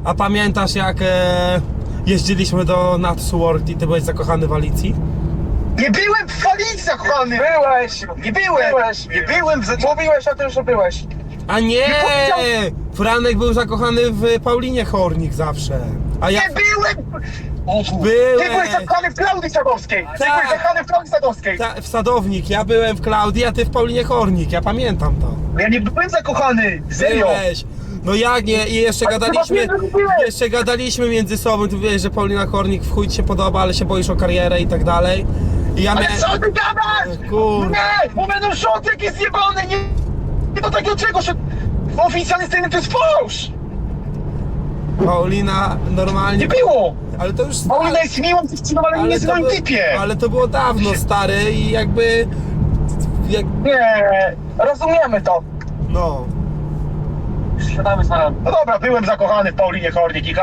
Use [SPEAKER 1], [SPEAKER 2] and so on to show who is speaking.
[SPEAKER 1] A pamiętasz jak jeździliśmy do Natsworth i ty byłeś zakochany w Alicji?
[SPEAKER 2] Nie byłem w Alicji zakochany!
[SPEAKER 3] Byłeś!
[SPEAKER 2] Nie byłem! Nie byłem w...
[SPEAKER 3] Mówiłeś o tym, że byłeś.
[SPEAKER 1] A nie!
[SPEAKER 2] powiedział-
[SPEAKER 1] Franek był zakochany w Paulinie Hornik zawsze. A ja...
[SPEAKER 2] Nie byłem!
[SPEAKER 1] Byłeś!
[SPEAKER 2] Ty byłeś zakochany w Klaudii Sadowskiej! Ty
[SPEAKER 1] Tak.
[SPEAKER 2] byłeś zakochany w Klaudii Sadowskiej!
[SPEAKER 1] W Sadownik, ja byłem w Klaudii, a ty w Paulinie Hornik, ja pamiętam to.
[SPEAKER 2] Ja nie byłem zakochany! Serio!
[SPEAKER 1] Byłeś. No jak nie? I jeszcze
[SPEAKER 2] Ale
[SPEAKER 1] gadaliśmy,
[SPEAKER 2] chyba nie byłeś.
[SPEAKER 1] jeszcze gadaliśmy między sobą, ty wiesz, że Paulina Hornik w chuj ci się podoba, ale się boisz o karierę i tak dalej. I ja
[SPEAKER 2] Ale
[SPEAKER 1] miałem...
[SPEAKER 2] co ty gadasz?
[SPEAKER 1] Kurde.
[SPEAKER 2] Nie! Bo będą szoty jakieś zjebane! Nie do takiego czegoś! Oficjalnie sceny to jest fałsz!
[SPEAKER 1] Paulina normalnie...
[SPEAKER 2] Nie było!
[SPEAKER 1] Ale to już...
[SPEAKER 2] Paulina jest miłą dziewczyną, ale nie jest w moim typie!
[SPEAKER 1] ale to było dawno, stary, i jakby... Jak...
[SPEAKER 3] Nie, rozumiemy to.
[SPEAKER 1] No...
[SPEAKER 3] Siadamy z nami.
[SPEAKER 2] No dobra, byłem zakochany w Paulinie Hornik i